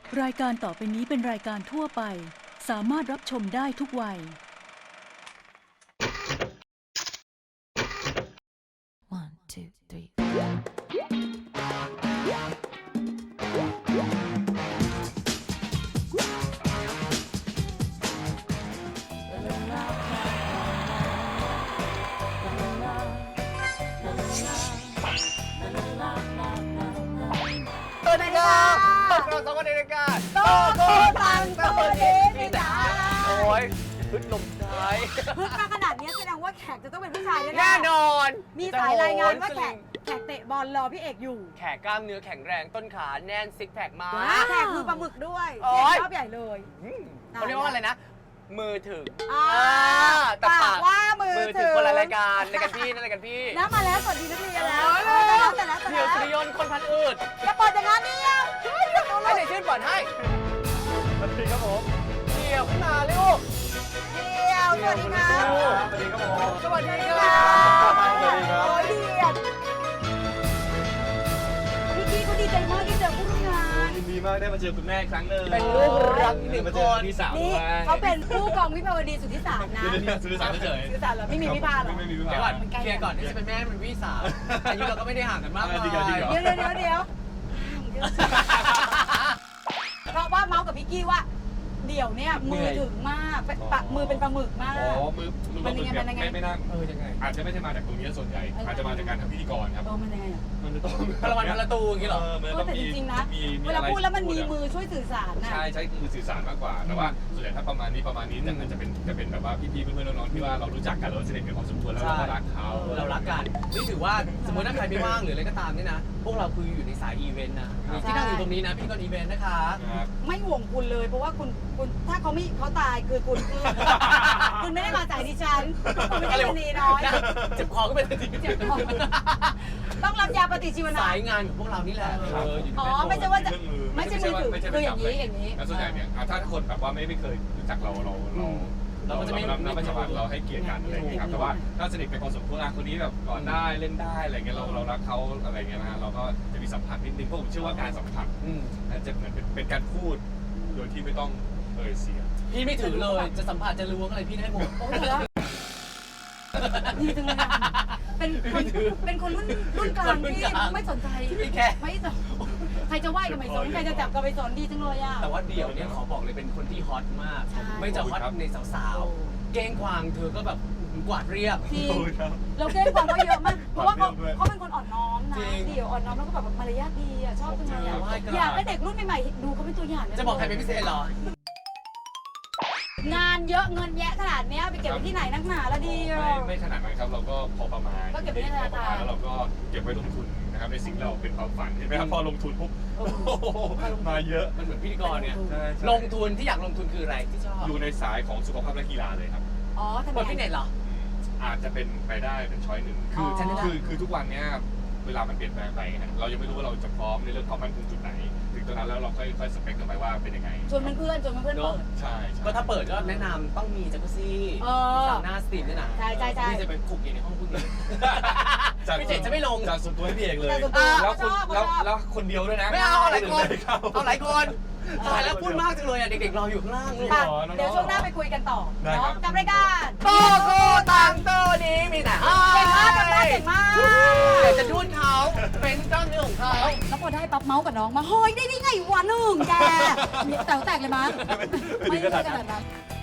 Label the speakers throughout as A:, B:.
A: รายการต่อไปนี้เป็นรายการทั่วไปสามารถรับชมได้ทุกวัย
B: One, two, three.
C: สวัสดีครับพวกเราสองคนในรายการโตโกตังโตดีพี่จ๋าโอ้ยพึ่งลมท้าย
D: พึ่งมาขนาดนี้แสดงว่าแขกจะต้องเป็นผู้ชายแน่ๆ
C: แน่นอน
D: มีสายรายงานว่าแขกเตะบอลรอพี่เอกอยู่
C: แขกกล้ามเนื้อแข็งแรงต้นขาแน่นซิกแพคมา
D: แขกมือปลาหมึกด้วย
C: โอ๊ย
D: ชอบใหญ่เลย
C: เขาเรียกว่าอะไรนะ มือถึง
D: อ่า
C: แต่
D: ปากว่ามือ
C: ถึ
D: ถึ
C: ง
D: ง
C: คนละรายการรายการพี่นั่นรายการพี่
D: แล้วมาแล้วสวัสดีนักเรียนแล้ว
C: โอ้ย
D: แต่แล้ว
C: เดี๋ยวสุริยนต์คนพันอืด
D: จะเปิดอย่างนั้นเนี่ย
C: ให้เด็กชื่นก่อนให้สวัสดีครับผมเดี่ยวขึ้นมาเร็ว
D: เดียวสวัสดีครับ
C: สวัสดีครับผมสวัสดีค
D: ส
C: รั
D: วัสดี
C: บ
D: ครับโอ้ยเดียวพี่กี้เขาดีใจมากที่เจอผู้ร่วมงาน
E: ยินดีมากได้มาเจอคุณแม่อีกครั้งหนึ่ง
C: เป็นลูกรักที่หนึ่ง
E: มา
C: ค
E: เจอน พี่สาว
D: นี่
E: ด้วย
D: เขาเป็นผู้กองวิภาวดีสุทธิสารนะ
E: เดี๋ยวนี้ซื้อสารเฉย
D: สุทธิสารเหรอไม่มีวิภาเหรอ
E: ไม่มีวิ
C: เดี๋ยว
E: ภา
C: ก่อนเคลียร์ก่อนนี่จะเป็นแม่เป็นพี่สาวอายุเราก็ไม่ได้ห่างกันมากมาย
E: จริงเหรอ
D: เดี๋ยวเพราะว่าเมาส์กับพี่กี้ว่า เดี๋ยวเนี่ยมือถึงมากมือเป็นปลาหมึกมาก
E: อ๋อมือ
D: มันยังไงมันยังไง
E: ไม่น่า
C: ยังไง
E: อาจจะไม่ใช่มาจากตรงนี้ส่วนใหญ่ อาจจะมาจากการทำพิธีกรครับ
D: มันยังไงอ่ะ
E: มันจะต้อง
C: พลวันพลตูอย่างนี้เหรอ
E: มัน
D: แต่จริงๆนะเวลาพูดแล้วมันมีมือช่วยสื่อสารนะ
E: ใช่ใช้มือสื่อสารมากกว่า แต่ว่าส่วนใหญ่ถ้าประมาณนี้แต่มันจะเป็นแบบว่าพี่ๆเพื่อนๆน้องๆที่ว่าเรารู้จักกันเราสนิทกันพอสมควรแล้วเราก็รักเขา
C: เรารักกันนี่ถือว่าสมมติถ้าใครไม่ว่างหรืออะไรก็ตามเนี่ยนะ พวกเราคืออยู่ในสายอีเวนต์นะที่นั่งอยู่ตรงนี้นะพี่กรอีเวนต์นะคะ
E: ครับ
D: ไม่ห่วงคุณเลยเพราะว่าคุณถ้าเขาตายคือคุณคุณไม่ได้มาจากดิฉันคุณไม่ใช่คนดีน้อย
C: เจ็บคอก็เป็นที
D: ต้องรับยาปฏิชีวนะ
C: สายงานของพวกเรานี่แหละอยู่
D: อ๋อไม่ใช่ว่าจะไม่ใช่มือถือคืออย่างนี้
E: แล้วส่วนใหญ่เนี่ยถ้าคนแบบว่าไม่เคยรู้จักเราก็จะไม่เราให้เกียรติกันอะไรอย่างเงี้ยครับแต่ว่าถ้าสนิทกันพอสมควรคนนี้แบบก่อนได้เล่นได้อะไรเงี้ยเรารักเขาอะไรเงี้ยนะเราก็จะมีสัมผัสนิดนึงเพราะผมเชื่อว่าการสัมผัสจะเหมือนเป็นการพูดโดยที่ไม่ต้องเสียง
C: พี่ไม่ถือเลยจะสัมผัสจะล้วงอะไรพี่ได้หมด
D: โอ้ยดีจังเลยเป็นคนรุ่นกลางที่ไม่สนใจไม่สนใครจะไหว้ก็ไม่สนใครจะจับก็ไม่สนดีจังเลยอ่ะ
C: แต่ว่าเดี่ยวเนี่ยขอบอกเลยเป็นคนที่ฮอตมาก ไม่จะฮอตในสาวๆเก้งกวางเธอก็แบบกวาดเรียบ
D: จริงเราเก้งกวางก็เยอะมากเพราะว่าเขาเป็นคนอ่อนน้อมนะเดี๋ยวอ่อนน้อมแล้วก็แบบมารยาทดีอ่ะชอบจังเลยอยากให้เด็กรุ่นใหม่ๆดูเขาเป็นตัวอย่าง
C: จะบอกใครเป็นพิเศษเหรอ
D: งานเยอะเงินแยะขนาดนี้ไปเก็บไว้ที่ไหนนักหนาแล้วดี
E: ไม่ขนาดนั้นครับเราก็พอประมาณ
D: ก็เก็บไว้ในธนาคาร
E: แล้วเราก็เก็บไว้ลงทุนนะครับในสิ่งเราเป็นความฝันใช่ไหมครับพอลงทุนปุ๊บมาเยอะ
C: มันเหมือนพิธีกรเนี่ยลงทุนที่อยากลงทุนคืออะไรที่ชอบ
E: อยู่ในสายของสุขภาพและกีฬาเลยครับ
D: อ๋อทำไม
C: เปิดฟิตเนสเหรอ
E: อาจจะเป็นไปได้เป็นช้อยหนึ่งคือทุกวันเนี้ยเวลามันเปลี่ยนแปลงไปเรายังไม่รู้ว่าเราจะพร้อมในเรื่องความมั่นคงจุดไหนถึงตอนนั้นแล้วเราค่อยสเปคกันไปว่าเป็นยังไง
D: ชวนเพื่อนเปิด
E: ใช่
C: ก็ถ้าเปิดก็แนะนำต้องมีจักรุซี่สาวหน้าสตรีมด้วยนะ
D: ใช่
C: พี่จะไปคุกอยู่ในห้องคุณพี่เจจะไม่ลง
E: จากส่วนตัวให้พี่เอกเลย
D: แล้ว
E: คนเดียวด้วยนะ
C: ไม่เอาหลายคนเอาหลายคนตายแล้วพูดมากจังเลยอ่ะเด็กๆรออยู่ข้างล่างลูก
D: เดี๋ยวช่วงหน้าไปคุยกันต่อเนาะกับรายการ
C: โตโกตังโตนี้มีแต่
D: เก่งมากกันได้เก่งมาก
C: อยากจะทุ่นเขาเป็นเจ้าเนื้อของเขา
D: แล้วพอได้ปั๊บเมาส์กับน้องมาเฮ้ยได้ไงวะหนึ่งแกแต่แตกเลยมั้ยไม่ได้ขนาดนั้น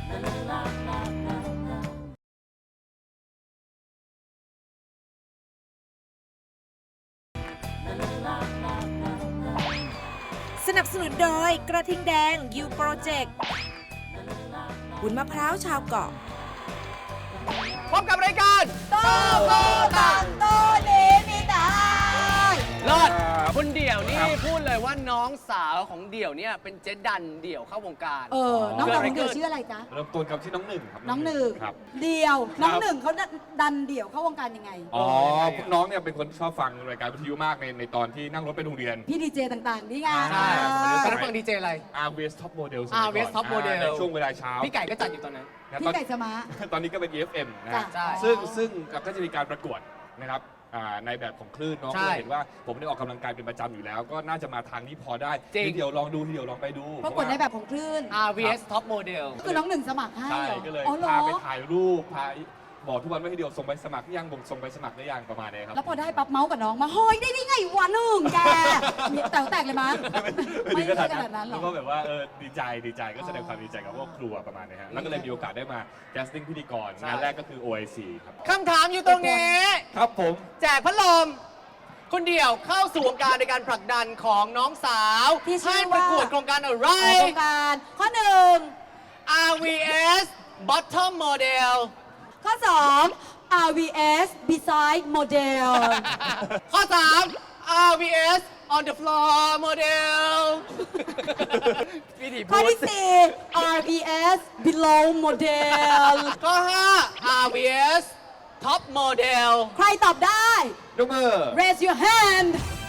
B: สนับสนุนโดยกระทิงแดงยูโปรเจกต์วุ้นมะพร้าวชาวเกาะ
C: พบกับรายการ
D: โตโกตังโตนี้มีแต่
C: เลิศคุณเดี่ยวนี่พูดเลยว่าน้องสาวของเดี่ยวเนี่ยเป็นเจ๊ดันเดี่ยวเข้าวงการ
D: น้องสาวของเดี่ยวชื่ออะไรจ๊ะ
E: เริ่มต้นกับที่น้องหนึ่งครับ
D: น้องหนึ่ง
E: ครับ
D: เดี่ยวน้องหนึ่งเขาดันเดี่ยวเข้าวงการยังไง
E: อ๋อน้องเนี่ยเป็นคนชอบฟังรายการวิทยุมากในตอนที่นั่งรถไปโรงเรียน
D: พี่ดีเจต่างๆนี่ไง
C: ใช่ตอนนั้นฟังดีเจอะไร
E: RVS Top Model
C: RVS Top Model
E: ในช่วงเวลาเช้า
C: พี่ไก่ก็จัดอยู่ตอนนั้น
D: พี่ไก่สมา
E: ตอนนี้ก็เป็น EFM นะ
D: จ้ะ
C: ใช่
E: ซึ่งก็จะมีการประกวดนะครับในแบบของคลื่นเนาะ
C: ใช่
E: ก็เห็นว่าผมได้ออกกำลังกายเป็นประจำอยู่แล้ว ก็น่าจะมาทางนี้พอได้
C: จริง
E: ทีเดียวลองดูทีเดียวลองไปดู
D: ปรากฏในแบบของคลื่น
C: RVS Top Model
D: ก็คือน้องหนึ่งสมัครให้
E: ใช่
D: เหรอ
E: ก็เลย
D: อ๋อเหรอ
E: พาไปถ่ายรูปพาบอกทุกวันว่าทีเดียวส่งไปสมัครหรือยังส่งไปสมัครได้ยังประมาณนี้ครับ
D: แล้วพอได้ปั๊บเมาส์กับน้องมาเฮ้ยได้ไงวะหนึ่งแกแต่แตกเลยมั้ย
E: ไม่ถึงขนาด
D: ไม่ขนาดนั้นหรอ
E: แล้วก็แบบว่าดีใจก็แสดงความดีใจกับพวกครัวประมาณนี้ฮะแล้วก็เลยมีโอกาสได้มาแคสติ้งพิธีกรงานแรกก็คือ OIC ครับ
C: คำถามอยู่ตรงนี้
E: ครับผม
C: แจกพัดลมคนเดียวเข้าสู่วงการในการผลักดันของน้องสาว
D: ที่ชื่
C: ให้
D: อ
C: ประ
D: ว่า
C: กวดโครงการอะไร
D: โครงการข้อหนึ่ง
C: RVS Bottom Model
D: ข้อ 2 RVS Beside Model
C: ข้อ 3 RVS On the Floor Model พี่ถี
D: ข้อ
C: พูด
D: ที่ 4 RVS Below Model
C: ข้อ 5 RVS Top Model
D: ใครตอบได้
E: ยกมือ
D: Raise your hand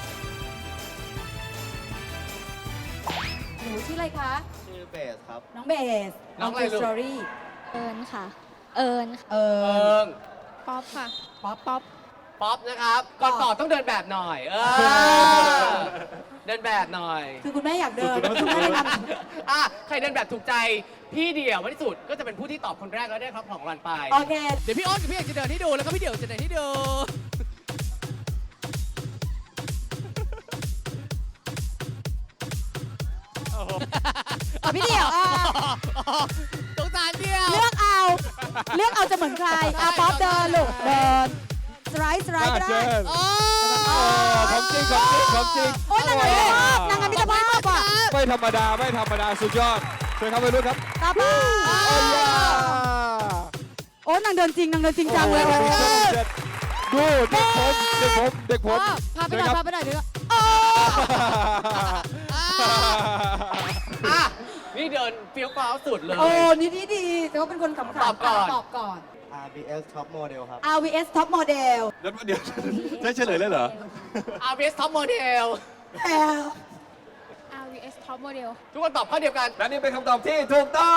D: หนูชื่ออะไรคะ
F: ชื่อเบสครับ
D: น้องเบส
C: น้องอะไรลูก
D: สตอรี่
G: เอิญค่ะ เอิญค่ะ
D: เอ
C: เอิ
D: อง
G: ป๊อปค่ะ
D: ป๊อปป๊อป
C: ป๊อปนะครับ ก่อนตอบต้องเดินแบบหน่อยเดินแบบหน่อย
D: คือคุณแม่อยากเดินคุณแม่เลยทำ
C: ใครเดินแบบถูกใจ พี่เดี่ยวไม่ที่สุดก็จะเป็นผู้ที่ตอบคนแรกแล้วได้ครับของรางวัลไป
D: โอเค
C: เดี๋ยวพี่อ้อนกับพี่เอกจะเดินให้ดูแล้วก็พี่เดี่ยวจะเดินให้ดู
D: พี่เดี่ยว
C: สงสารเดี่ยว
D: เลือกเอาจะเหมือนใครป๊อปเดินลูกเดินสไลด์ก็ได้
C: โอ้
E: ของจริงของจริง
D: โอ๊ยนางงามมิตรภาพอ่ะ
E: ไม่ธรรมดาสุดยอดเชิญครับไปดูครับ
D: ตาบ้าโอ้ยนางเดินจริงจังเลย
E: ดูเด็กผม
D: พาไปหน่อยเดี๋ยว
C: นี่เดินเฟี้ยวฟ้าวสุดเลย
D: โอ้นี่ดีแต่ว่าเป็นคนขำๆ
C: ตอบก่อน
D: ตอบก่อน
F: RBS Top Model ครับ
D: RVS Top Model
E: เดี๋ยวได้เฉลยเลยเหรอ
C: RVS Top Model
G: RVS Top Model
C: ทุกคนตอบข้อเดียวกัน
E: และนี่เป็นคำตอบที่ถูกต้อง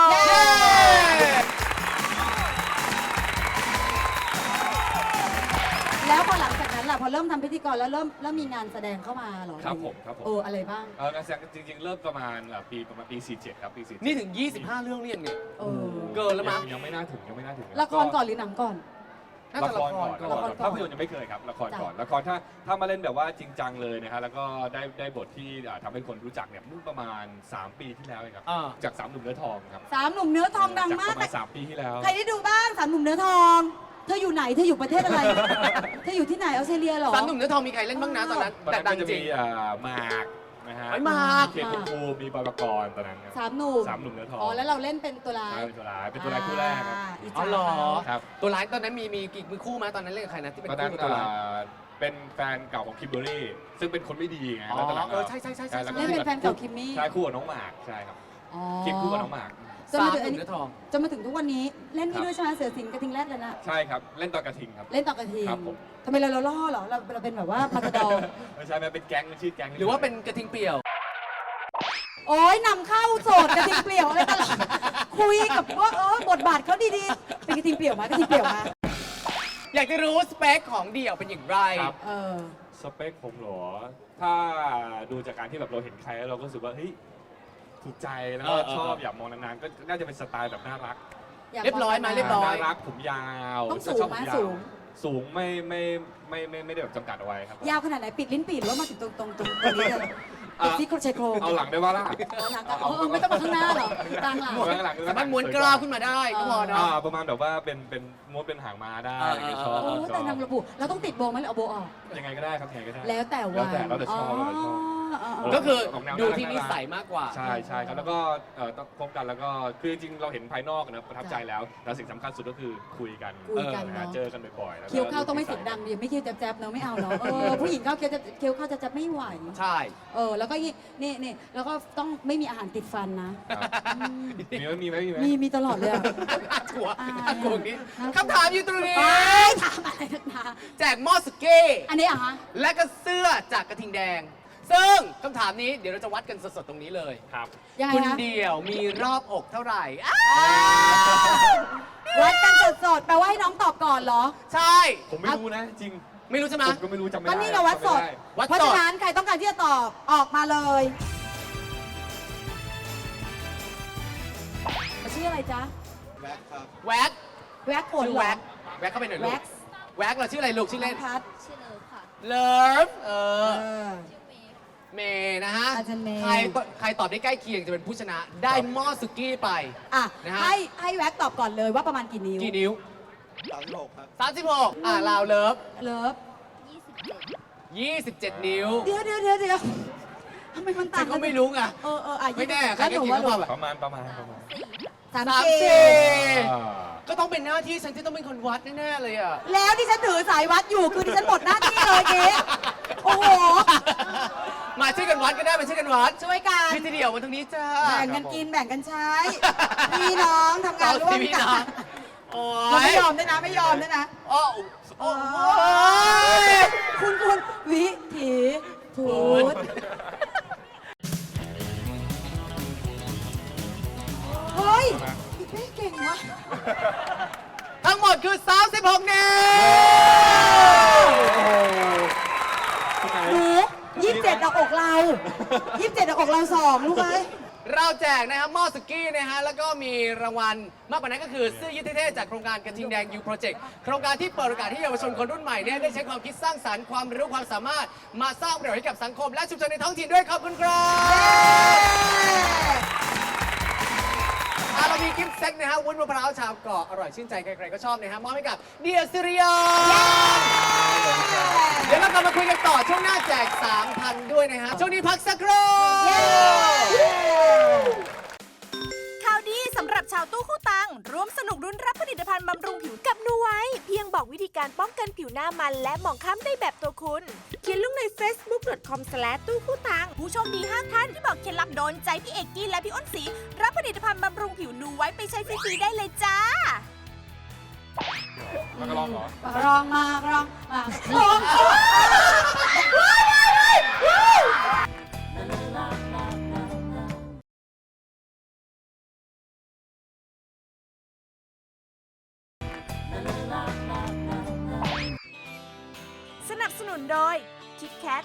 D: แล้วพอหลังจากนั้นล่ะพอเริ่มทำพิธีกรแล้วเริ่มมีงานแสดงเข้ามาเหรอ
E: ครับผม
D: อะไรบ้าง
E: งานแสดงจริงๆ เริ่มประมาณปี 47 ครับปี 47
C: นี่ถึง 25 เรื่องเรียนไง
D: เออ
C: เกินแล้วมั้ง
E: ยังไม่น่าถึง
D: ละครก่อนหรือหนังก่อน
C: น่า
E: ละ
C: จะ
E: ค
C: ละ
E: ร
C: คร
E: ก่อน
C: ก่อน
E: ภาพยนตร์ยังไม่เคยครับละครก่อนละครถ้ามาเล่นแบบว่าจริงจังเลยนะฮะแล้วก็ได้บทที่ทำให้คนรู้จักเนี่ยเมื่อประมาณ 3 ปีที่แล้วเองครับ
C: อ่า
E: จาก3 หนุ่มเนื้อทองครับ
D: สามหนุ่มเนื้อทองดังมาก
E: จากประมาณ3 ปีที่แล้ว
D: ใครได้ดูบ้างสามหนุ่มเนื้อทอง เธออยู่ไหนเธออยู่ประเทศอะไร เธออยู่ที่ไหนออสเตรเลียเหรอ
C: สามหนุ่มเนื้อทองมีใครเล่นบ้างนะตอนนั้น
E: ตอน
C: แต่
E: นั้น
C: ดั
E: ก็
C: ง
E: จะ
C: จริ
E: มี
C: ง
E: หมากนะฮะ
C: ไอ้หมาก
E: เคนภูมิภูมิมีบอยปกรณ์ตอนนั้นครับ
D: สามหนุ่ม
E: 3 หนุ่มเนื้อทอง
D: อ๋อแล้วเราเล่นเป็นตัวร้าย
E: ใช่เป็นตัวร้ายคู่แรกครับ
D: จ
C: อ๋
D: ฉา
C: อเหรอ
E: ครับ
C: ตัวร้ายตอนนั้นมีกี่มือคู่มาตอนนั้นเล่นกับใครนะที่เป็น
E: ตอนนั้น
C: คู่กับตัวร้าย
E: เป็นแฟนเก่าของคิมเบอรรี่ซึ่งเป็นคนไม่ดีไง
C: อ๋อ
E: แล้วตอนหลัง
C: ใช่
E: แล้วก็
D: เล่นเป็นแฟนเก่าคิมมี่
E: ใช่คู่กับน้องหมากใช่ครับ
D: อ๋อ
E: คิมคู่กับน้องหมาก
D: จน
C: สา
D: มาถึง
C: มห
D: อัน
C: นุ่ม
D: นี้
C: เนื้อทอง
D: จนมาถึงทุกวันนี้เล่น
E: ครั
D: นี่
E: บ
D: ด้วยใช่ไหมเสือสิงห์กระทิงแรดเลยนะ
E: ใช่ครับเล่นตอนกระทิงครับ
D: เล่นต่อกระทิง
E: ครับผม
D: ทำไมเราล่อเหรอเราเป็นแบบว่ามาตาดอ
E: ไม่ใช่มันเป็นแก๊งมันชื่อแก๊ง
C: หรือว่าเป็นกระทิงเปี่ยว
D: โอ้ยนำเข้าโสดกระทิงเปลี่ยวอะไรตลอดคุยกับว่าบทบาทเขาดีๆเป็นกระทิงเปลี่ยวมากระทิงเปลี่ยวมา
C: อยากจะรู้สเปคของเดี่ยวเป็นอย่างไร
E: ครับ
D: เออ
E: สเปคผมเหรอถ้าดูจากการที่แบบเราเห็นใครแล้วเราก็รู้สึกว่าเฮ้ยถูกใจแล้วก็ชอบอยากมองนานๆก็น่าจะเป็นสไตล์แบบน่ารัก
D: าก
C: เรียบร้อยไหมเรียบร้อย
E: น่ารักผมยาว
D: ต้องสูง
E: ชอบ
D: ไหม
E: ผยาว
D: สูง
E: สูงไม่ได้แบบจำกัดเอาไว้ครับ
D: ยาวขนาดไหนปิดลิ้นปีหรือว่ามาถึงตรงนี้เลยปิดที่ชายโครง
E: เอาหลังได้ว่าล่ะ
D: หลังกันไม่ต้องมาข้างหน้าหรอกกลางหลัง
E: ข้างหลัง
C: สามารถม้วนกล้าวขึ้นมาได้ก็พอเนาะ
E: ประมาณแบบว่าเป็นม้วนเป็นหางม้าได้อะไรอย่างเงี้ยชอบ
D: โอ้
E: ช
D: แต่
E: อบ
D: นางระบุเราต้องติดโบว์ไหมหรือเอาโบว์ออก
E: ยังไงก็ได้ครับยังไงก็ได้
D: แล้วแต่วัน
E: แล้วแต่ชอบแล้วแต่ชอบ
C: ก็คือ
E: ออกแนว
C: ดู
E: น่ารัก
C: ที่นิสัยมากกว่า
E: ใช่ใช่ครับแล้วก็ต้องคบกันแล้วก็คือจริงๆเราเห็นภายนอกนะประทับใจแล้วแต่สิ่งสำคัญสุดก็คือคุยกัน
D: คุยกัน
E: นะ
D: เนาะ
E: เจอกันบ่อยๆแล้วก็
D: เคี้ยวข้าวต้องไม่เสียงดังดิไม่เคี้ยวแจ๊บๆเนอะไม่เอาเนาะผู้หญิงเข้าเคี้ยวข้าวจะไม่ไหว
C: ใช่
D: แล้วก็นี่แล้วก็ต้องไม่มีอาหารติดฟันนะ
E: ครับมีไหม
D: มีตลอดเลยอะ
C: กลัว
D: อ่า
C: กลัวนี้คำถามอยู่ตรงนี้
D: ไปถามอะไรนักหนา
C: แจกหม้อสเก้
D: อันนี้อะฮะ
C: และก็เสื้อจากกระทิงแดง ซึ่งคำถามนี้เดี๋ยวเราจะวัดกันสดๆตรงนี้เลย
E: ครับ
D: ยังไง
C: คุณ
D: นะ
C: เดี่ยวมีรอบอกเท่าไหร่
D: วัดกันสดๆแปลว่าให้น้องตอบก่อนเหรอ
C: ใช่
E: ผมไม่รู้นะจริง
C: ไม่รู้ใช่ไหม
E: ผมก็ไม่รู้จำไม่
B: ก็
E: ได้
B: นี่ไงวัดสด
E: จำไม่ไ
C: วัด
B: เพราะ
C: ส
B: ฉะ
C: ด
B: นั้นใครต้องการที่จะตอบออกมาเลยชื่ออะไรจ๊ะ
F: แบ็คครับ
C: แว็ก
B: แว็กขน
C: ชื่อ
B: เหรอ
C: แว็กแว็กเข้าไปหน่อยลู
B: แว็
C: ก
B: กซ์
C: แว็กเราชื่ออะไรลูกชื่อเล่น
B: พัด
G: ชื่อเลิฟค่ะ
C: เลิฟ
B: เออ
G: ชื่อเมย์ค่ะ
C: เมย์นะฮะ
B: อาจารย์เมย์
C: ใครตอบได้ใกล้เคียงจะเป็นผู้ชนะ ได้หม้อสุกี้ไป
B: อ่ะ
C: นะฮะ
B: ให้แว็กตอบก่อนเลยว่าประมาณกี่นิ้ว
C: กี่นิ้ว
F: 36 ครับ
C: 36ลาวเลิฟ
B: เลิฟ
C: 27 นิ้ว
B: เดี๋ยวทำไมมันต่า
C: ฉั
B: ง
C: นก็ไม่รู้ไง
B: อ่ะ
C: ไม่แน่ใคร
B: แล้ว
C: ก็
B: หนู
C: กิน
B: ว่า
C: ก็
B: ลู
C: พอก แบบ
E: ประมาณ
B: สาม
C: สาม
B: สี่
C: สี่
E: อ่า
C: ก็ต้องเป็นหน้าที่ฉันที่ต้องเป็นคนวัดแน่ๆเลยอ่ะ
B: แล้วที่ฉันถือสายวัดอยู่คือที่ฉันหมดหน้าที่เลยเก๊โอ้โห
C: มาช่วยกันวัดก็ได้มาช่วยกันวัด
B: ช่วยกัน
C: พี่ทีเดียวมาตรงนี้จ้า
B: แบ่งกันกินแบ่งกันใช้ พี่น้องทำงานร่วม
C: พี่
B: กั
C: น้อง
B: น
C: โอ้
B: เรา
C: ย
B: ไม่ยอมด้วยนะไม่ยอมด้วยนะ
C: โอ้โอ้ย
B: คุณวิถีพูดเฮ้ยอีเป้เก่งวะ
C: ทั้งหมดคือ 36 นิ้ว
B: หนู27ดอกอกเรา27ดอกอกเรา2ลูกเอ้ย
C: เราแจกนะครับหม้อสุกี้นะฮะ แล้วก็มีรางวัลมากกว่านั้นก็คือเสื้อยืดเท่ๆจากโครงการกระทิงแดงยูโปรเจกต์โครงการที่เปิดโอกาสให้เยาวชนคนรุ่นใหม่เนี่ยได้ใช้ความคิดสร้างสรรค์ความรู้ความสามารถมาสร้างประโยชน์ให้กับสังคมและชุมชนในท้องถิ่นด้วยขอบคุณครับเรามีกิฟต์เซ็ตนะฮะวุ้นมะพร้าวชาวเกาะอร่อยชื่นใจใครๆก็ชอบนะฮะมอบให้กับเดียซิริยอนเดี๋ยวเรากลับมาคุยกันต่อช่วงหน้าแจก 3,000 ด้วยนะฮะช่วงนี้พักสักครู่
B: ข่าวดีสำหรับชาวตู้คู่ตังร่วมสนุกรุ้นรับผลิตภัณฑ์บำรุงผิวกับนูไว้ เพียงบอกวิธีการป้องกันผิวหน้ามันและหมองคล้ำได้แบบตัวคุณเขียนลงใน facebook.com/ ตู้คู่ตังผู้โชคดี5ท่านที่บอกเคล็ดลับโดนใจพี่เอกกี้และพี่อ้นศรีรับผลิตภัณฑ์บำรุงผิวนูไว้ไปใช้ฟรีๆได้เลยจ้า
E: มันก็ลองเหรอ
B: รองมารองมาลองสนับสนุนโดย KitKat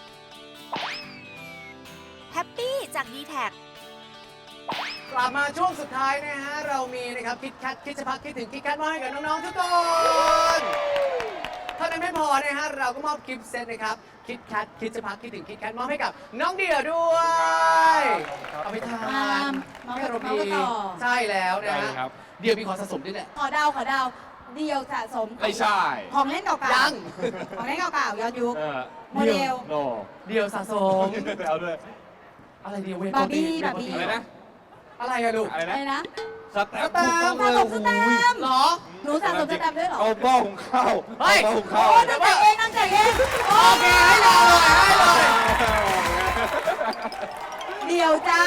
B: Happy จาก D-Tag
C: กลับมาช่วงสุดท้ายนะฮะ เรามีนะครับคิดแคทคิดจะพักคิดถึงคิดแคทมาให้กับน้องๆทุกคนเท่านั้นไม่พอนะฮะ เราก็มอบกิฟต์เซตนะครับคิดแคทคิดจะพักคิดถึงคิดแคทมอบให้กับน้องเดียด้วยเอาไปทาน
B: น้อง
C: ให้อารมณ์
B: น้อง
C: ดี
B: ก็ต่อ
C: ใช่แล้วนะ
E: ได้
C: ฮะ
E: ครับ
C: เดียวมีของสะสมด้วยแหละ
B: ขอดาวเดียวสะสม
E: ไม่ใช่
B: ของเล่นเก่าๆ
C: ยัง
B: ของเล่นเก่าๆย้อนยุค โมเดล
E: โน
C: เดียวสะสม
E: ไปเอาด้วย
C: อะไรเดียวเว
B: บาร์บี้
C: โปรตีน
E: อะไรนะ
C: อะไรอะลูก
E: อะไร
B: อะไร
E: นะ
B: นะ
E: สแตมป์
C: สแตมป์
B: สะสมสแตมป์
C: เหรอ
B: หนูสะสมสแตมป์ด้วยเหรอ
E: เอาหม้อหุงข้าว
C: เฮ้ย
E: เอาหม้อหุงข้าว
B: โอ้นั่งใจเองนั่งใจเอง
C: โอเคให้เลยให้เลย
B: เดี๋ยวจ้า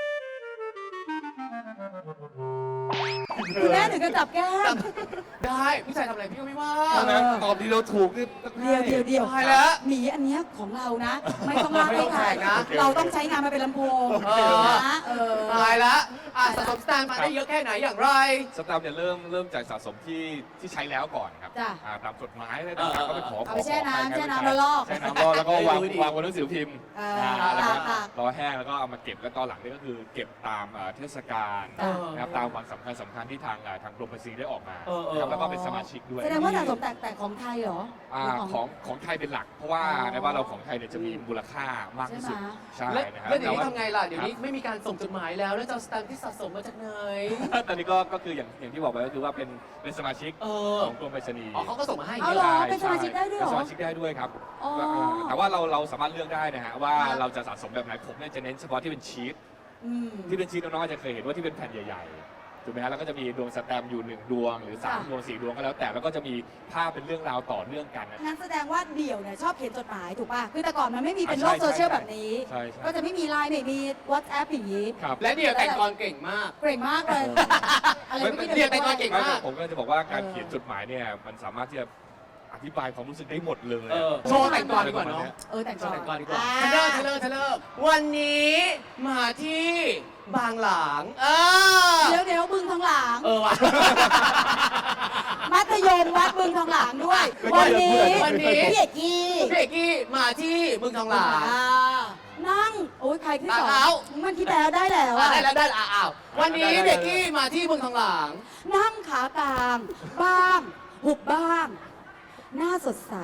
B: คุณแม่ถึงจะจับแก้ม
C: ได้ผู้ชายทำอะไรพี่ก็ไม่ว่า
E: เอานะตอบดีเราถูกนี่ต้องให้
B: เดี๋ยว
C: ตายแล้ว
B: หมีอันเนี้ยของเรานะ ไม่ต้องลากให้ใคร
C: ไม่ต้องแข่งนะ
B: เราต้องใช้งานมาเป็นลำโพง
C: เออ
B: นะ
C: ตายละสะสมสแตมป์มาได้เยอะแค่ไหนอย่างไร
E: สแตมป์เนี่ยเริ่มจากสะสมที่ใช้แล้วก่อนครับ
B: จ้ะ
E: ตามกฎหมายอะไรต่างๆก็ไปขอ
B: เอาไปแช่น้ำ
E: ขอ
B: แช่น้ำ
E: ใคร
B: แล้วลอก
E: แช่น้ำแล้วก็วาง
C: ดูดิ
E: วางบนหนังสือพิมพ์
B: เออ
E: แล้วก็
B: ตาก
E: รอแห้งแล้วก็เอามาเก็บแล้วตอนหลังนี่ก็คือเก็บตามเทศกาล
B: เออ
E: นะครับตามวันสำคัญที่ทางกรมภาษีได้ออกมา
C: เออ
E: นะครับแล้วก็เป็นสมาชิกด้วย
B: แสดงว่าสะสมแต่ของไทยเหรอหรือ
E: ของไทยเป็นหลัก เพราะว่า
B: อ๋อ
E: ในบ้านเราของไทยเนี่ยจะมีมูลค่ามากที่สุดใช่
C: แล้ว
E: นะครับ
C: แล้วเดี๋ยวนี้
E: แต่า
C: ทำไงล่ะ เดี๋ยวนี้ไม่มีการส่งจดหมายแล้ว แล้วจะเอาสแตมป์ที่สะสมมาจากไหน
E: ตอนนี้ก็คืออย่างที่บอกไปก็คือว่าเป็นสมาชิก
C: เออ
E: ของกรมไปรษณีย์
C: อ๋อเขาก็ส่งมาให้
B: เอา
C: เย
B: เหร
C: อะ
B: อเป็นสมาชิกได้ด้วยเหรอ
E: เป็นสมาชิกได้ด้วยครับ
B: อ๋อ
E: แต่ว่าเราสามารถเลือกได้นะฮะว่า
B: ครับ
E: เราจะสะสมแบบไหนผมเนี่ยจะเน้นเฉพาะที่เป็นชีต
B: อืม
E: ที่เป็นชีตน้องๆอาจจะเคยเห็นว่าที่เป็นแผ่นใหญ่ๆถูกไหมฮะแล้วก็จะมีดวงสแตมป์อยู่1ดวงหรือ
B: ค่ะ
E: 3ดวง4ดวงก็แล้วแต่แล้วก็จะมีภาพเป็นเรื่องราวต่อเนื่องกันนะ
B: งั้นแสดงว่าเดี่ยวเนี่ยชอบเขียนจดหมายถูกป่ะ คือแต่ก่อนมันไม่มีเป็นโลก
E: ใช่
B: โซเชียล
E: ใช่
B: แบบนี้
E: ใช่ใช่
B: ก็จะไม่มีไลน์ไม่มี WhatsApp อย่างนี้
E: ครับ
C: และเดียวแต่งกลอนเก่งมาก
B: เก่งมากเลย อะไรไม่
C: เรียนแต่ก่อนเก่ง
E: ไม่ผมก็จะบอกว่าการเขียนจดหมายเนี่ยมันสามารถที่จะอธิบายความรู้สึกได้หมดเลย
C: โชว์แต่งกลอนดีกว่าเนาะ
B: แต่ง
C: โชว์แต่งกลอนดีกว่า
B: อ่
C: เทเลอร์วันนี้มาที่บางหลาง
B: เดี๋ยวบึงทองหลาง
C: เออว่ะ
D: มัธยมวัดบึงทองหลางด้วย วันนี้
C: วันนี้
D: พี่เอกกี้
C: พี่เอกกี้มาที่บึงทองหลาง
D: นั่ง โอ้ยใครที่สอ
C: เอา
D: งมันคิดแล้วได้แล้วอะ
C: ได้แล้วได้แล้วอ้าววันนี้พี่เอกกี้มาที่บึงทองหลาง
D: นั่งขากลาง บ้าง หุบบ้าง หน้าสดใส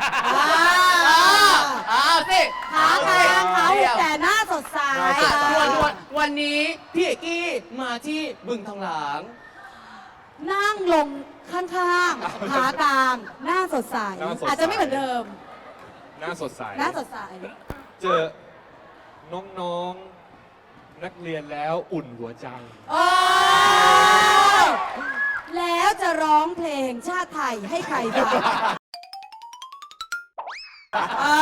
C: สิ
D: ขากลางขาหุบแต่หน้าสดใส
C: วันนี้พี่เอกกี้มาที่บึงทองหลาง
D: นั่งลงข้างๆ ขากลาง หน้าสดใส
E: หน้าสดใส
D: อาจจะไม่เหมือนเดิม
E: หน้าสดใส
D: หน้าสดใส
E: เจอน้องๆนักเรียนแล้วอุ่นหัวใจ
D: โอ้แล้วจะร้องเพลงชาติไทยให้ใครฟังอ่า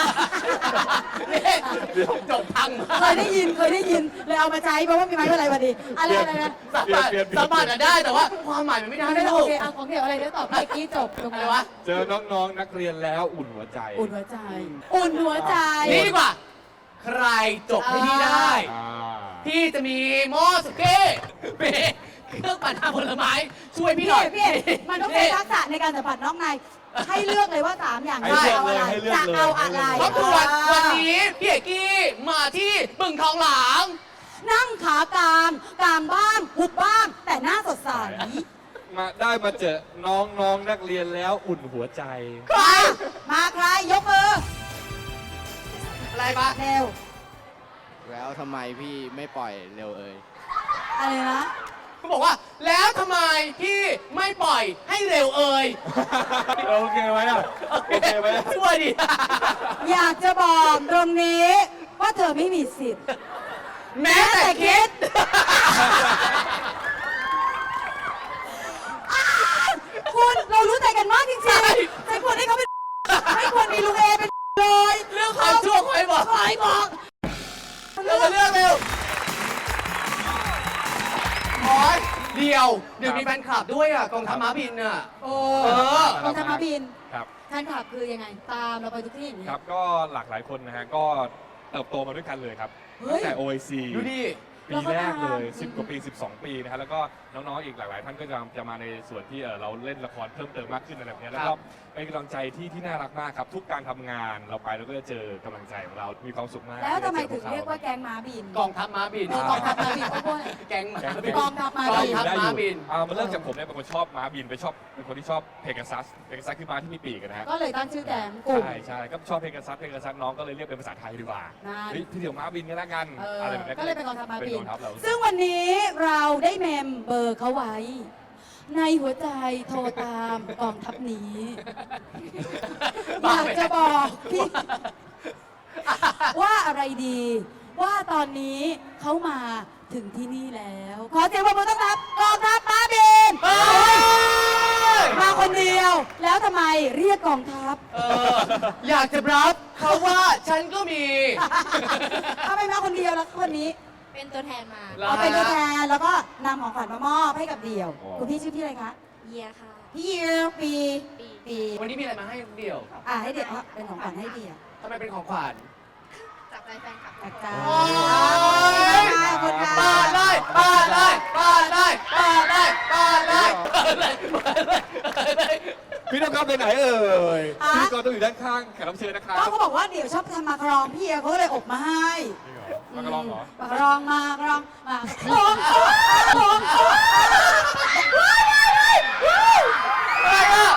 C: จบพัง
D: เคยได้ยินเลยเอามาใช้เพราะว่ามีไม้อะไรพอดีอะไรนะ
C: สามารถได้แต่ว่าความหมายมันไม่ได้
D: ไม่
C: นะ
D: ได้
C: ลู
D: โอก เคเอาของเดี๋ยวอะไรเดี๋ยวตอบเมื่อกี้จบตรง
C: อะไร
D: นั้น
C: วะ
E: เจอน้องๆนักเรียนแล้วอุ่นหัวใจ
D: อุ่นหัวใจ อุ่นหัวใจ
C: นี่ดีกว่า ใครจบให้พี่ได้
E: อ่า
C: พี่จะมีหม้อสุกี้มีเครื่องปั่นน้ำผลไม้ช่วยพี่หน่อย
D: พี่มันต้องใช้ทักษะในการสัมผัสน้องในให้เลือกเลยว่า3อย่าง
E: ให้เลือก
D: เอา
E: เล
D: อะไร
E: ยให้เลือก
D: จะ
E: เลย
D: เอาอะไร
C: ครอบครัววันนี้พี่เอกกี้มาที่บึงทองหลาง
D: นั่งขากลางกลางบ้างหุบบ้าง แต่หน้าสดใส
E: มาเจอน้องๆนักเรียนแล้วอุ่นหัวใจ
C: ใคร
D: มาใครยกมือ
C: อะไรปะ
D: เร็ว
F: แล้วทำไมพี่ไม่ปล่อยเร็วเอ่ย
D: อะไรนะ
C: เขาบอกว่า แล้วทำไมพี่ไม่ปล่อยให้เร็วเอ่ย
E: โอเคไหมอ่ะ โอเคไหม
C: ช่วยดิ
D: อยากจะบอกตรงนี้ว่าเธอไม่มีสิทธิ์
C: แม้แต่คิด
D: คุณเรารู้ใจกันมากจริงๆใจควรให้เขาเป็นไม่ควรมีลุงเอเป็นเลย
C: เรื่องความชั่วใครบอก
D: ใครบอก
C: เรามาเลือกเร็วขอเดียวมีแฟนคลับด้วยอ่ะกองทัพม้าบินอ่ะ
D: โอ้
C: เออ
D: กองทัพม้าบิน
E: ครับ
D: ท่านขับคือยังไง ตามเราไปทุกที่อย่างนี้
E: ครับ ก็หลากหลายคนนะฮะ ก็เติบโตมาด้วยกันเลยครับ
D: เฮ้ย
E: ตั้งแต่ OIC
C: ดูดิ
E: ปีแรกเลย 10 กว่าปี 12 ปีนะฮะ แล้วก็น้องๆ อีกหลากหลายท่านก็จะมาในส่วนที่เราเล่นละครเพิ่มเติมมากขึ้นอะไรแบบเนี้ยแล้ว
C: ค
E: ก็
C: รับ
E: เป็นกำลังใจที่น่ารักมากครับ ทุกการทำงานเราไปเราก็จะเจอกำลังใจของเรา มีความสุขมาก
D: แล้วทำไม
E: ด้
D: ถึง
E: จอพ
D: เรียกว่าแก๊งม้าบิน
C: กองทัพม้าบิน
D: กองทัพม้าบินเพราะว่า
C: แก๊งม้าบิน
D: กองทัพม้าบิน
C: กองทัพม้าบิน
E: มันเริ่มจากผมเนี่ยเป็นคนชอบม้าบินเป็นคนที่ชอบเพกาซัสคือม้าที่มีปีกอะนะฮะ
D: ก็เลยตั้งชื่อแก๊งกลุ่ม
E: ใช่ก็ชอบเพกาซัสน้องก็เลยเรียกเป็นภาษาไทยดีกว่า
D: นั่น
E: เฮ้ยพี่เดี๋ยวม้าบินกันแล้วกัน
D: เออ
E: อะไรแบบนี้
D: ก็เลยเป็นกองทัพม้าบิน
E: เป็นกองทัพเรา
D: ซึ่งวันนี้เราได้เมมเบอร์เขาไว้ ในหัวใจโทรตามกองทัพนี้ อยากจะบอกพี่ ว่าอะไรดี ว่าตอนนี้เขามาถึงที่นี่แล้ว ขอเสียงปรบมือต้อนรับกองทัพม้าบิน
C: เฮ้ย
D: มาคนเดียว แล้วทำไมเรียกกองทัพ
C: อยากจะรับเขาว่าฉันก็มี
D: ทำไมมาคนเดียวแล้วคนนี้
G: เป็นตัวแทนมา
C: เหรอ
D: เอาเป็นตัวแทนแล้วก็นำของขวัญมามอบให้กับเดี่ยว คุณพี่ชื่อพี่อะไรคะ
G: เยียค่ะ
D: พี่เยี่ยวปี
G: ปี
C: วันนี้มีอะไรมาให้เดี่ยวครับ
D: ให้เดี่ยวเป็นของขวัญให้เดี่ยว
C: ทำไมเป็นของขวัญ
G: จากใจแฟนคลับ
D: จากใจ
C: โอ้ย
D: ขอบคุณค่ะ
C: เปิดเลยเปิดเลยเปิดเลยเปิดเลยเปิดเลยเปิดเลยเปิดเลยเปิดเลย
E: พี่ต้องครับไปไหนเอ่ยพิธีกรต้องอยู่ด้านข้างแขกรับเชิญนะครับ
D: ก็เขาบอกว่าเดี๋ยวชอบทำมาคารองพี่เขาก็เลยอบมาให้
E: มากระลองเหรอ
D: มาคารองมาคารองมาลองลอง
C: อะไรอ่ะ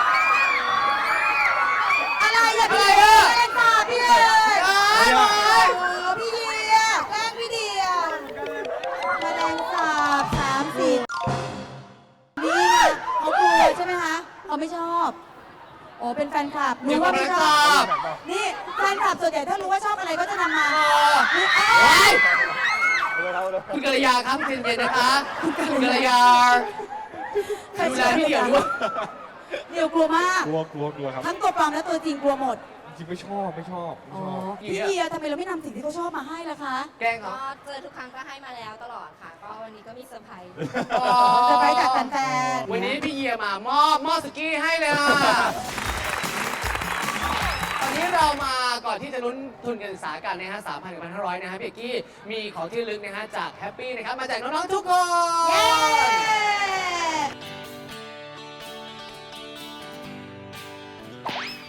D: อะไรอย่าพี่
C: อะไรอะ
D: เล่นค่ะพี่เอ๋ย
C: อะไรอ่ะ
D: โอ้พี่เดียแกล้งพี่เดียแมลงสาบ30นี่ไงเขากลัวใช่ไหมคะเขาไม่ชอบโอ้เป็นแฟนคลับรู้ว่าไม่ชอบ นี่แฟนคลับส่วนใหญ่ถ้ารู้ว่าชอบอะไรก็จะนำมานี่เอ้
C: เฮ้
D: ย
C: ยคุณกัลยาครับคุณเย็นๆนะคะคุณกัลยาดูแลพี่เดี่ยวด้วย
D: เดี๋ยวกลัวมาก
E: กลัวครับ
D: ทั้งตัวปลอมและตัวจริงกลัวหมด
E: จริงไม่ชอบ
D: อ๋อพี่เดียทำไมเราไม่นำสิ่งที่เขาชอบมาให้ล่ะคะ
C: แกล้งเขา
G: ก็เจอทุกครั้งก็ให้มาแล้วตลอดค่ะ ก็วันนี้ก็มีเซอร์ไพรส์
D: จะไปจากแฟนๆ
C: วันนี้พี่เยียมามอบหม้อสุกี้ให้เลยอ่ะตอนนี้เรามาก่อนที่จะลุ้นทุนการศึกษากันนะฮะ 3,000 กับ 1,500 นะฮะพี่เอกกี้มีของที่ระลึกนะฮะจากแฮปปี้นะครับมาจากน้องๆทุกคน
D: เย้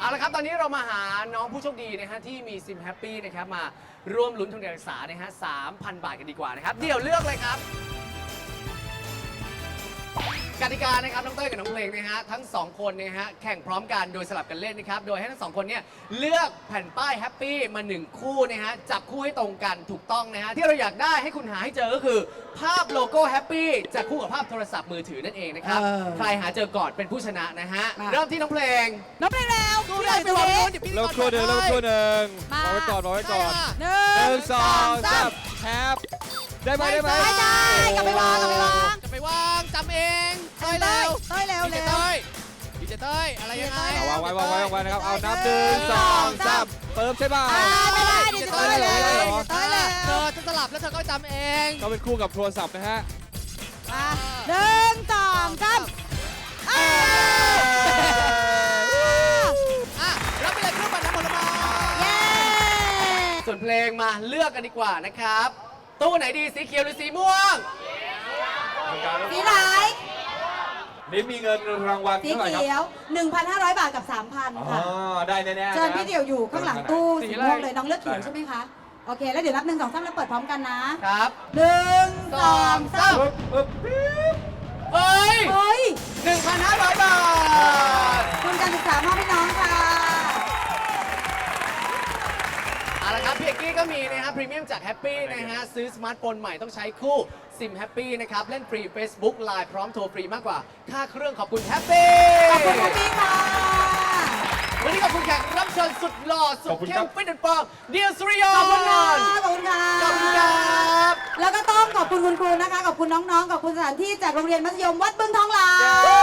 C: ละครับตอนนี้เรามาหาน้องผู้โชคดีนะฮะที่มีซิมแฮปปี้นะครับมาร่วมลุ้นทุนการศึกษานะฮะ 3,000 บาทกันดีกว่านะครับเดี๋ยวเลือกเลยครับกติกานะครับน้องเต้ยกับน้องเพลงนะฮะทั้ง2คนนะฮะแข่งพร้อมกันโดยสลับกันเล่นนะครับโดยให้ทั้ง2คนเนี่ยเลือกแผ่นป้ายแฮปปี้มา1คู่นะฮะจับคู่ให้ตรงกันถูกต้องนะฮะที่เราอยากได้ให้คุณหาให้เจอก็คือภาพโลโก้แฮปปี้จะคู่กับภาพโทรศัพท์มือถือนั่นเองนะครับใครหาเจอก่อนเป็นผู้ชนะนะฮะเริ่มที่น้องเพลง
B: น้องเพลงแล้วพี่หน่อยไปวางนู้นเดี๋ยวพี่
H: เริ่มคู่หนึ่งรอไว้ก่อนรอไว้ก่อน
B: หนึ่ง
H: 1 2 3แฮปได้ไหมได้ไหม
B: ไม่ได้กลับไปวางกลับไปวาง
C: จะไปวางจำเองเต้ยเร็ว
B: เต้ยเร็ว
C: ดีเจ
B: เร็ว
C: เต้ยดีเจเต้ยอะไรยังไง
H: วางไว้นะครับเอานับ1 2 3เติมใช่ป่ะ
B: ไม่ได้ดีเจเต้ยเร็วเต้ยเร็ว
C: เธอจะสลับแล้วเธอก็จำเอง
H: ก็เป็นคู่กับโทรศัพท์นะฮะ
B: หนึ่งสองสาม
C: รับไปเลยเครื่องปั่นน้ำผลไม้
B: เย้
C: ส่วนเพลงมาเลือกกันดีกว่านะครับ ตู้ไหนดีสีเขียวหรือสีม่วง
B: สีไหน
E: นี่มีเงินรางวัล
D: สี
E: เท่าไหร่ครับ
D: เขียว 1,500 บาทกับ 3,000
E: อ๋อ
D: ค่ะ
E: ได้แน่ๆนะ
D: เชิญพี่เดี่ยวอยู่ข้างหลังตู้
C: สี
D: สี
C: อะไร
D: ม่วงเลยน้องเลือกเขียวใช่ไหมคะ โอเค แล้วเดี๋ยวนับ 1 2 3 แล้วเปิดพร้อมกันนะ
C: ครับ
D: 1 2 3
C: เฮ้ย
D: เฮ้ย
C: 1,500 บาท
D: ทุนการศึกษามอบให้น้องค่ะ
C: เอาละครับพี่เอกกี้ก็มีนะฮะพรีเมียมจากแฮปปี้นะฮะซื้อสมาร์ทโฟนใหม่ต้องใช้คู่ซิมแฮปปี้นะครับ เล่นฟรี Facebook Line พร้อมโทรฟรีมากกว่า ค่าเครื่องขอบคุณแฮปปี้
D: ขอบคุณคุณพี่ค่ะ
C: วันนี้ขอบคุณแขกรับเชิญสุดหล่อสุดเข้มฟิตแอนด์ฟอร์มเดียสุริยน
D: ขอบคุณค่ะ
C: ต์
D: ขอบคุณค่ะ
C: ขอบคุณครับ
D: แล้วก็ต้องขอบคุณคุณครูนะคะ ขอบคุณน้องๆ ขอบคุณสถานที่จากโรงเรียนมัธยมวัดบึงทองหลาง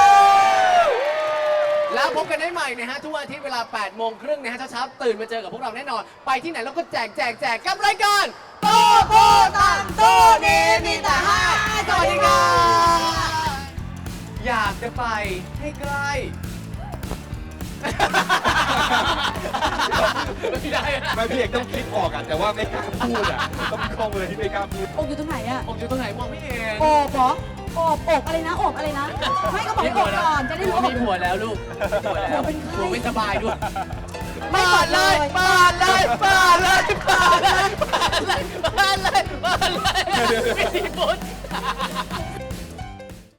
C: แล้วพบกันได้ใหม่นะฮะทุกวันอาทิตย์เวลา 8 โมงครึ่งนะฮะเช้าๆตื่นมาเจอกับพวกเราแน่นอน ไปที่ไหนแล้วก็แจกกับรายการโตโตตังโตนี้มีแต่ให้สวัสดีครับอยากจะไปให้ใกล้ไม่ได้นะ
E: ไม่พี่เอกต้องคิดออกอ่ะแต่ว่าไม่กล้าพูดอ่ะต้องมีข้อมือที่ไม่กล้าพูด
D: อกอยู่ตรงไหนอะ
C: ผมอยู่ตรงไหนมองไม่เห็น
D: โอบเหรอโอบอะไรนะโอบอะไรนะ ไม่ก็บอกโอบก่อน จะได้รู้
C: มีผัวแล้วลูกผัวแล้ว
D: ผัวเป็นใคร
C: ผัวไม่สบายด้วย
D: ไม่เปิดเลย
C: เปิดเลยไม่มีบุญ